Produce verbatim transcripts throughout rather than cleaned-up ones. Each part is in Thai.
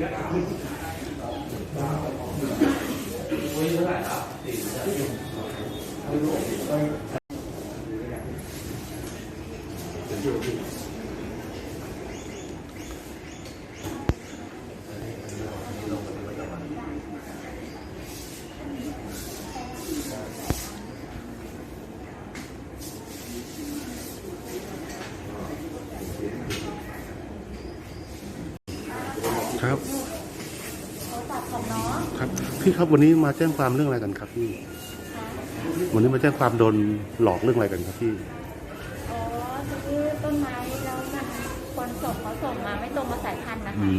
ครับครับพี่ครับวันนี้มาแจ้งความเรื่องอะไรกันครับพี่วันนี้มาแจ้งความโดนหลอกเรื่องอะไรกันครับพี่อ๋อซื้อต้นไม้แล้วมันคนส่งเขาส่งมาไม่ตรงมาสายพันธุ์นะคะ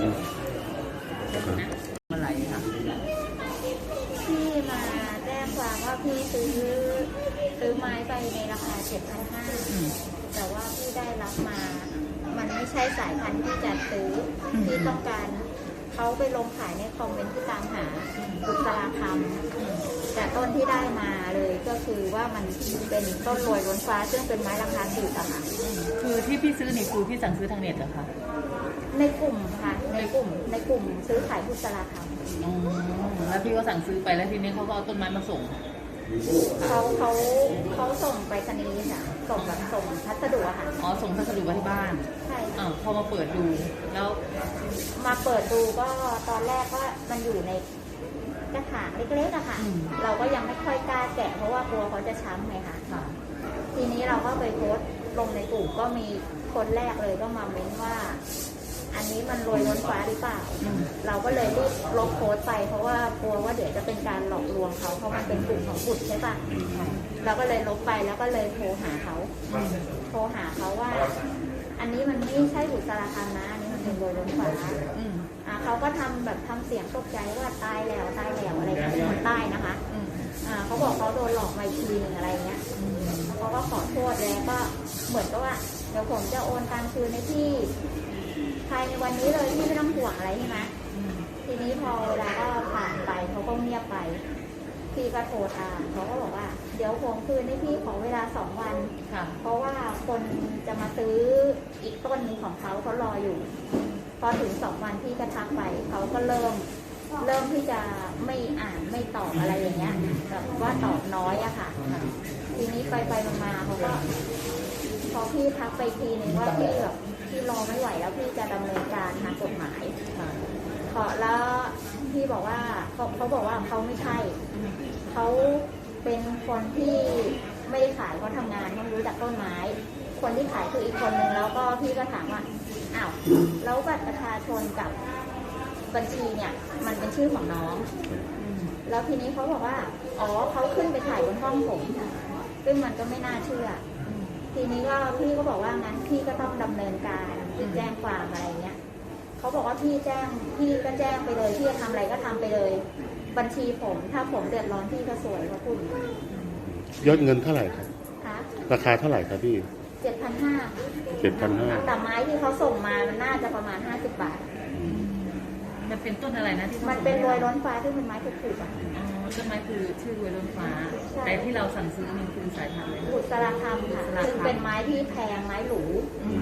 อะไรคะพี่มาแจ้งความว่าพี่ซื้อซื้อไม้ไปในราคาเจ็ดพันห้าแต่ว่าพี่ได้รับมามันไม่ใช่สายพันธุ์ที่จะซื้อที่ต้องการเขาไปลงขายในคอมเมนต์ที่ตามหาบุษราคำแต่ต้นที่ได้มาเลยก็คือว่ามันเป็นต้นโรยล้นฟ้าซึ่งเป็นไม้ราคาถูกอะค่ะคือที่พี่ซื้อนี่คือพี่สั่งซื้อทางเน็ตเหรอคะในกลุ่มค่ะในกลุ่มในกลุ่มซื้อขายบุษราคำอ๋อแล้วพี่ก็สั่งซื้อไปแล้วทีนี้เขาก็เอาต้นไม้มาส่งเขาเขาเขาส่งไปสนีย์ค่ะส่งแบบส่งพัสดุอะค่ะอ๋อส่งพัสดุมาที่บ้านใช่อ่าพอมาเปิดดูแล้วมาเปิดดูก็ตอนแรกก็มันอยู่ในกระถางเล็กๆอะค่ะเราก็ยังไม่ค่อยกล้าแกะเพราะว่ากลัวเขาจะช้ำไงค่ะทีนี้เราก็ไปโพสต์ลงในกลุ่มก็มีคนแรกเลยก็มาเม้นว่าอันนี้มันโรยล้นฟ้าหรือเปล่าเราก็เลยรีบลบโพสต์ไปเพราะว่ากลัวว่าเดี๋ยวจะเป็นการหลอกลวงเขาเพราะมันเป็นกลุ่มของบุตรใช่ปะเราก็เลยลบไปแล้วก็เลยโทรหาเขาโทรหาเขาว่าอันนี้มันไม่ใช่บุตรสารคามนะอันนี้มันเป็นโรยล้นฟ้าอ่าเขาก็ทำแบบทำเสียงตกใจว่าตายแล้วตายแล้วอะไรอย่างเงี้ยคนใต้นะคะอ่าเขาบอกเขาโดนหลอกมาทีนึงอะไรเงี้ยเขาก็ขอโทษแล้วก็เหมือนกับว่าเดี๋ยวผมจะโอนตังคืนในที่ภายในวันนี้เลยที่ไม่ต้องห่วงอะไรใช่ไหมทีนี้พอเวลาก็ผ่านไปเขาก็เงียบไปพี่ก็โทรตามเขาก็บอกว่าเดี๋ยวผมคืนให้พี่ขอเวลาสองวันเพราะว่าคนจะมาซื้ออีกต้นนึงของเขาเขารออยู่พอถึงสองวันพี่ก็ทักไปเขาก็เริ่มเริ่มที่จะไม่อ่านไม่ตอบอะไรอย่างเงี้ยแบบว่าตอบน้อยอะค่ะทีนี้ไปไปมาเขาก็พอพี่ทักไปทีนึงว่าพี่แบบพี่รอไม่ไหวแล้วพี่จะดำเนินการทางกฎหมายขอแล้วพี่บอกว่าเขาเขาบอกว่าเขาไม่ใช่เขาเป็นคนที่ไม่ได้ขายเขาทำงานเขารู้จักต้นไม้คนที่ขายคืออีกคนนึงแล้วก็พี่ก็ถามว่าอ้าวแล้วบัตรประชาชนกับบัญชีเนี่ยมันเป็นชื่อของน้องแล้วทีนี้เขาบอกว่าอ๋อเขาขึ้นไปถ่ายบนห้องผมซึ่งมันก็ไม่น่าเชื่อทีนี้ก็พี่ก็บอกว่างั้นพี่ก็ต้องดำเนินการแจ้งความอะไรเงี้ยเขาบอกว่าพี่แจ้งพี่ก็แจ้งไปเลยพี่จะทำอะไรก็ทำไปเลยบัญชีผมถ้าผมเดือดร้อนพี่ก็สวยเขาพูดยอดเงินเท่าไหร่ครับราคาเท่าไหร่ครับพี่เจ็ดพันห้าเจ็ดพันห้าแต่ไม้ที่เขาส่งมามันน่าจะประมาณห้าสิบบาทมันเป็นต้นอะไรนะที่มันเป็นรวยล้นฟ้าที่เป็นไม้ถูกๆอ่ะต้นไม้คือชื่อรวยล้นฟ้าแต่ที่เราสั่งซื้อนี่คือสายพันธุ์อะไรบุษราคำค่ะซึ่งเป็นไม้ที่แพงไม้หรู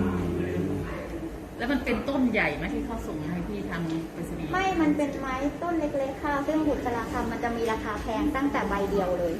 แล้วมันเป็นต้นใหญ่ไหมที่เขาส่งให้พี่ทำเป็นสีไม่มันเป็นไม้ต้นเล็กๆค่ะซึ่งบุษราคำมันจะมีราคาแพงตั้งแต่ใบเดียวเลย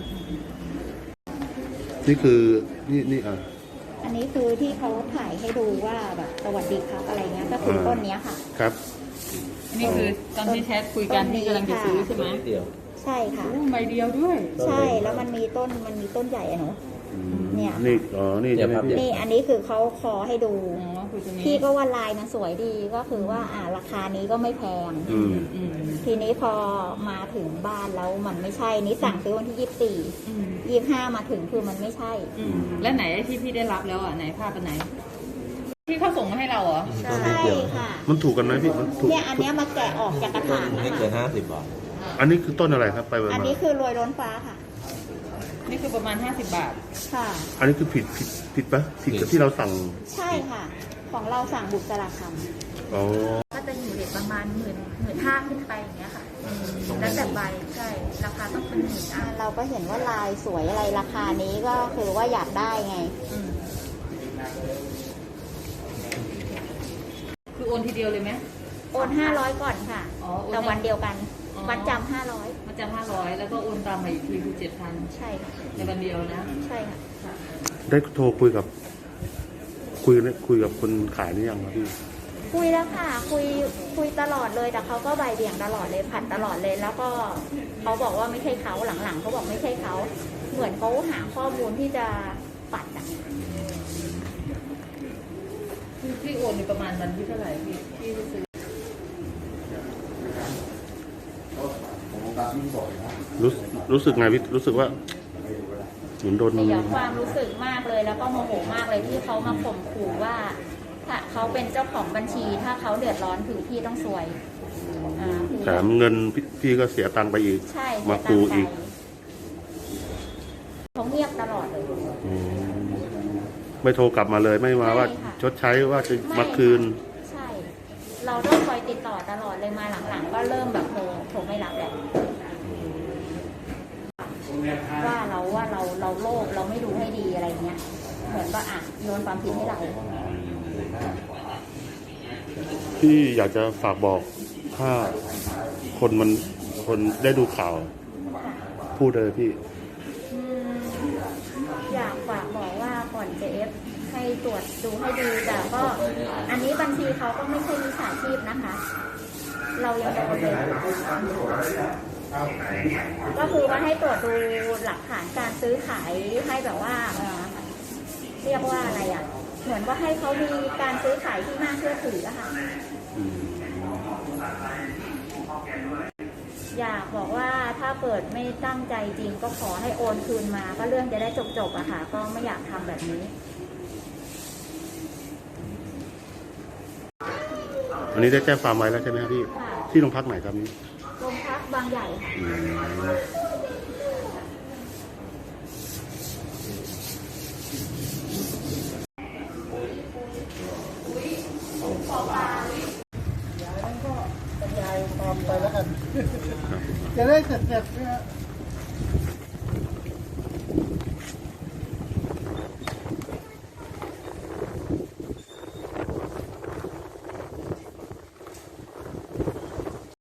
นี่คือนี่นี่อ่ะอันนี้คือที่เขาถ่ายให้ดูว่าแบบสวัสดีครับอะไรเงี้ยก็คือต้นนี้ค่ะครับอันนี้คือตอนที่แชทคุยกันที่กำลังจะซื้อใช่ไหมใช่ค่ะใบเดียวด้วยใช่แล้วมันมีต้นมันมีต้นใหญ่อะหนูเนี่ยนี่อ๋อนี่จะนี่อันนี้คือเขาคอให้ดูพี่ก็ว่าลายมันสวยดีก็คือว่าอ่าราคานี้ก็ไม่แพงทีนี้พอมาถึงบ้านแล้วมันไม่ใช่นี่สั่งซื้อวันที่ยี่สิบสี่ยี่สิบห้ามาถึงคือมันไม่ใช่แล้วไหนที่พี่ได้รับแล้วอ่ะไหนภาพเป็นไหนที่เขาส่งมาให้เราเหรอใช่ค่ะมันถูกกันไหมพี่มันถูกเนี่ยอันนี้มาแกะออกจากกระถางไม่เกินห้าสิบบาทอันนี้คือต้นอะไรครับไปอันนี้คือรวยล้นฟ้าค่ะนี่คือประมาณห้าสิบบาทค่ะอันนี้คือผิดผิดผิดปะผิดกับที่เราสั่งใช่ค่ะของเราสั่งบุษราคำอ๋อก็จะอยู่เรทประมาณหมื่นหมื่นห้าขึ้นไปอย่างเงี้ยค่ะแล้วแต่ใบใช่ราคาต้องเป็นหมื่นอ่ะเราก็เห็นว่าลายสวยอะไรราคานี้ก็คือว่าอยากได้ไงคือโอนทีเดียวเลยไหมโอนห้าร้อยก่อนค่ะอ๋อโอนแต่วันเดียวกันอ๋อวันจำห้าร้อยมาจำห้าร้อยแล้วก็โอนตามมาอีกทีคือเจ็ดพันใช่ค่ะในวันเดียวนะใช่ค่ะได้โทรคุยกับ คุยคุยกับคนขายนี่ยังครับพี่คุยแล้วค่ะ คุยคุยตลอดเลยแต่เขาก็ใบายเบี่ยงตลอดเลยผัดตลอดเลย แล้วก็เขาบอกว่าไม่ใช่เขาหลังๆเขาบอกไม่ใช่เขาเหมือนเขาหาข้อมูลที่จะปัดอ่ะพี่พี่โอนในประมาณวันที่เท่าไหร่พี่พี่ซื้อรู้รู้สึกไงพี่รู้สึกว่าเหมือนโดนเสียความรู้สึกมากเลยแล้วก็โมโหมากเลยที่เขามาข่มขู่ว่าถ้าเขาเป็นเจ้าของบัญชี ถ้าเขาเดือดร้อนคือพี่ต้องซวยอ่าคือแถมเงินพี่พี่ก็เสียตังค์ไปอีกใช่มาเสียตัคูงค์ไปอีกเขาเงียบตลอดเลยอืมไม่โทรกลับมาเลยไม่มาว่าใช่ค่ะชดใช้ว่าจะไม่มาคืนใช่ เราต้องคอยติดต่อตลอดเลยมาหลังๆ ก็เริ่มแบบโทรโทรไม่รับแหละว่าเราว่าเราเราโลภเราไม่ดูให้ดีอะไรเงี้ย เหมือนก็อ่ะโยนความผิดให้เราพี่อยากจะฝากบอกถ้าคนมันคนได้ดูข่าว พูดเลยพี่อืมอยากฝากบอกว่าก่อนจะเอฟให้ตรวจดูให้ดีแต่ก็ อันนี้บัญชีเขาก็ไม่ใช่มิจฉาชีพนะคะ เรายังโดนเลยก็คือว่าให้ตรวจดูหลักฐานการซื้อขายให้แบบว่าเอ่อเรียกว่าอะไรอ่ะ เหมือนว่าให้เขามีการซื้อขายที่น่าเชื่อถืออะค่ะ อยากบอกว่าถ้าเกิดไม่ตั้งใจจริงก็ขอให้โอนคืนมา ก็เรื่องจะได้จบๆอะค่ะ ก็ไม่อยากทำแบบนี้อันนี้ได้แจ้งความไว้แล้วใช่ไหมครับพี่ค่ะที่โรงพักไหนครับนี้โรงพักบางใหญ่ค่ะอืมยายก็บรรยายตามไปแล้วกัน จะได้เสร็จๆเนี่ย